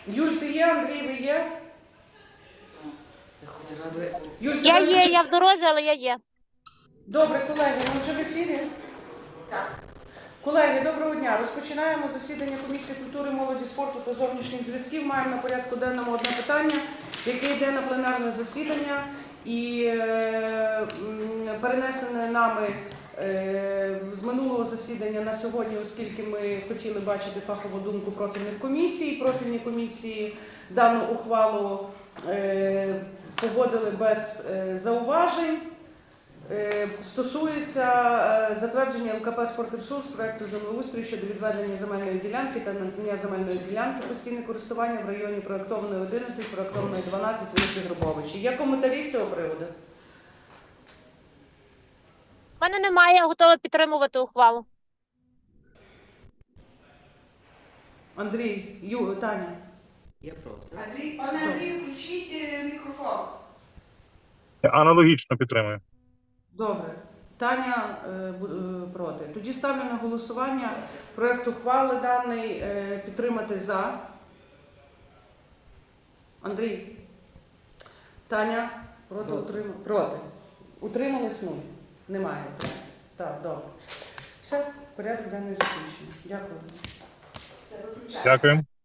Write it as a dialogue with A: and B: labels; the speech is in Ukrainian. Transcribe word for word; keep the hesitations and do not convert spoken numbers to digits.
A: Юль, ти є? Андрій, ви є? Юль, ти
B: Я
A: ви-
B: є, я в дорозі, але я є.
A: Добре, колеги, ми вже в ефірі? Так. Колеги, доброго дня. Розпочинаємо засідання Комісії культури, молоді, спорту та зовнішніх зв'язків. Маємо на порядку денному одне питання, яке йде на пленарне засідання і е, м, перенесене нами е, з минулого засідання на сьогодні, оскільки ми хотіли бачити фахову думку профільних комісій. Профільні комісії дану ухвалу е, погодили без е, зауважень. Е, Стосується е, затвердження ЛКП «Спортресурс» проекту землеустрою щодо відведення земельної ділянки та надання земельної ділянки постійне користування в районі проектованої одинадцять, проектованої дванадцять вулиці Гробовичі. Є коментарі з цього приводу?
B: У мене немає, я готова підтримувати ухвалу.
A: Андрій, Ю, Таня.
C: Я проти.
D: Андрій, пане Андрію, включіть е, мікрофон.
E: Аналогічно підтримую.
A: Добре. Таня е, бу- е, проти. Тоді ставлю на голосування проект ухвали даний е, підтримати за. Андрій. Таня проти,
C: Проти.
A: утримали. Проти. Утримались нуль. Немає. Так, добре. Все, порядок денний закінчено. Дякую.
D: Все, виключаю.
E: Дякую.